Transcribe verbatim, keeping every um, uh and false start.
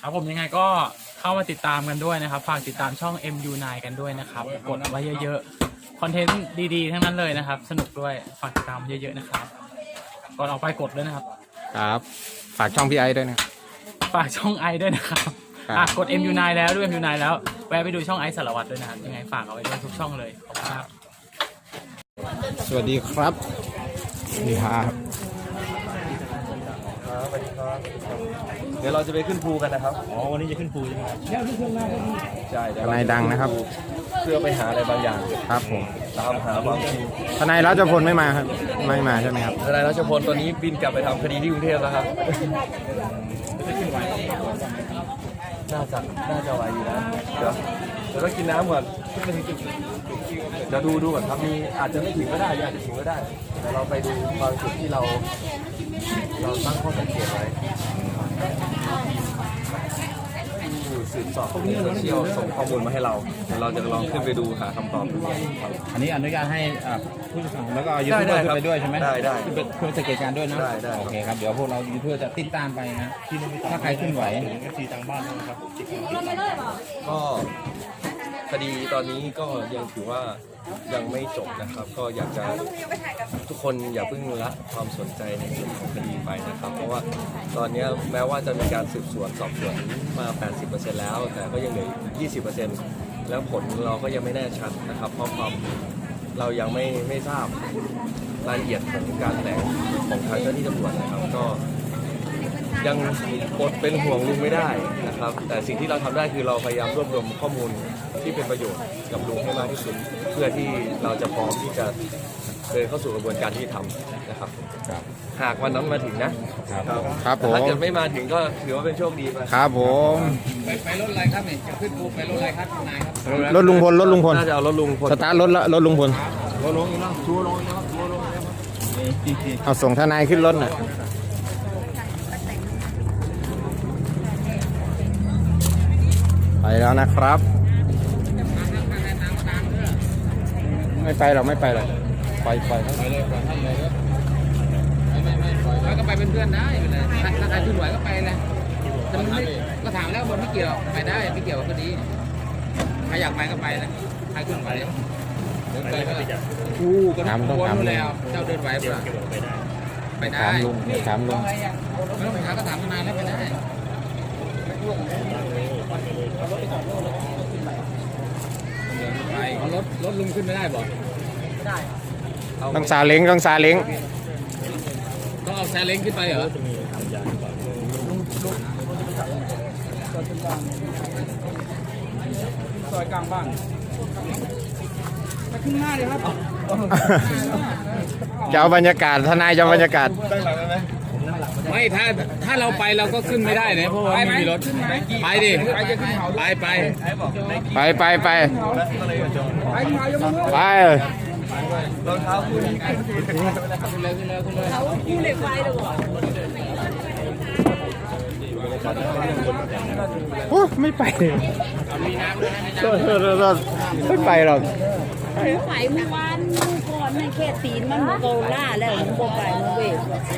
ครับผมยังไงก็เข้ามาติดตามกันด้วยนะครับฝากติดตามช่อง เอ็ม ยู ไนน์ กันด้วยนะครับกดไว้เยอะๆคอนเทนต์ดีๆทั้งนั้นเลยนะครับสนุกด้วยฝากติดตามเยอะๆนะครับก่อนออกไปกดด้วยนะครับครับฝากช่องพี่ไอ้ด้วยนะฝากช่องไอด้วยนะครับอ่ะกด เอ็ม ยู ไนน์ แล้วด้วย เอ็ม ยู ไนน์ แล้วแวะไปดูช่องไอสารวัตรด้วยนะครับยังไงฝากเอาไว้ด้วยทุกช่องเลยขอบคุณครับสวัสดีครับสวัสดีครับสวัสดีครับเดี๋ยวเราจะไปขึ้นภูกันนะครับอ๋อวันนี้จะขึ้นภูใช่ไหมครับใช่เดี๋ยวทนายดังนะครับเพื่อไปหาอะไรบางอย่างครับผมตามหาความจริงทนายรัชพลไม่มาครับไม่มาใช่ไหมครับทนายรัชพลตอนนี้บินกลับไปทำคดีที่กรุงเทพแล้วครับน่าจะน่าจะไหวอยู่นะเดี๋ยวเดี๋ยวต้องกินน้ำก่อนเดี๋ยวดูดูก่อนครับมีอาจจะไม่ถึงก็ได้อาจจะถึงก็ได้แต่เราไปดูบางจุดที่เรา เราตั้งข้อสังเกตไว้ผู้สืบสอบในโซเชียลส่งข้อมูลมาให้เราเดี๋ยวเราจะลองขึ้นไปดูหาคำตอบดูครับอันนี้อนุญาตให้อ่าผู้สื่อข่าวแล้วก็ยูทูบเบอร์ขึ้นไปด้วยใช่ไหมได้ได้ขึ้นไปเพื่อสังเกตการณ์ด้วยนะได้ได้โอเคครับเดี๋ยวพวกเรายูทูบเบอร์จะติดตามไปนะถ้าใครขึ้นไหวก็คดีตอนนี้ก็ยังถือว่ายังไม่จบนะครับ ก็อยากจะทุกคนอย่าเพิ่งละความสนใจในเรื่องของคดีไปนะครับ เพราะว่าตอนนี้แม้ว่าจะมีการสืบสวนสอบสวนมา แปดสิบเปอร์เซ็นต์ แล้ว แต่ก็ยังเหลือ ยี่สิบเปอร์เซ็นต์ แล้วผลเราก็ยังไม่แน่ชัดนะครับ เพราะความเรายังไม่ไม่ทราบรายละเอียดของการแถลงของทางเจ้าหน้าที่ตำรวจนะครับก็ยังอดเป็นห่วงลุงไม่ได้นะครับ แต่สิ่งที่เราทำได้คือเราพยายามรวบรวมข้อมูลที่เป็นประโยชน์กับลุงให้มากที่สุดเพื่อที่เราจะพร้อมที่จะเดินเข้าสู่กระบวนการที่ทำนะครับครับหากวันนั้นมาถึงนะครับครับผมถ้าเกิดไม่มาถึงก็ถือว่าเป็นโชคดีไปครับผมไปไปรถอะไรครับเนี่ยจะขึ้นภูไปรถอะไรครับนายครับรถลุงพลรถลุงพลน่าจะเอารถลุงพลสตาร์ทรถละรถลุงพลรถลงอีกแล้วชัวร์ลงอีกแล้วชัวร์ลงอีกแล้วเอาส่งทนายขึ้นรถหน่อยไปแล้วนะครับ ไม่ไปหรอกไม่ไปหรอกไปไปครับไปเลยก่อนท่านเลยไม่ไม่ไม่ปล่อยแล้วก็ไปเป็นเพื่อนได้ไปเลยถ้าถ้าใครขึ้นไหวก็ไปเลยแต่มันไม่ก็ถามแล้วบนไม่เกี่ยวไปได้ไม่เกี่ยวกับคดีใครอยากไปก็ไปนะใครขึ้นไหวเดินไปก็คู่ก็ต้องวนนู่นแล้วเจ้าเดินไหวเปล่าไปได้ถามลุงถามลุงไม่ต้องไปหาก็ถามทนายแล้วไปได้ไปเอารถรถลุงขึ้นไม่ได้บอกต้องซาเล้งต้องซาเล้งต้องเอาแซเล้งขึ้นไปเหรอซอยกลางบ้านไปขึ้นหน้าเลยครับจะเอาบรรยากาศทนายจะเอาบรรยากาศไม่ถ้าถ้าเราไปเราก็ขึ้นไม่ได้นะเพราะว่าไม่มีรถไปดิไปไปไปไปไปไปรองเท้าคู่นี้ขึ้นเลยขึ้นเลยขึ้นเลยคู่เหล็กไฟเลยเหรอโอ้ไม่ไปเลยมีน้ำด้วยนะโทษโทษโทษไม่ไปหรอกไฟเมื่อวานเมื่อก่อนในเขตตีนมันโมโกล่าแล้วมันโมไปมันเวท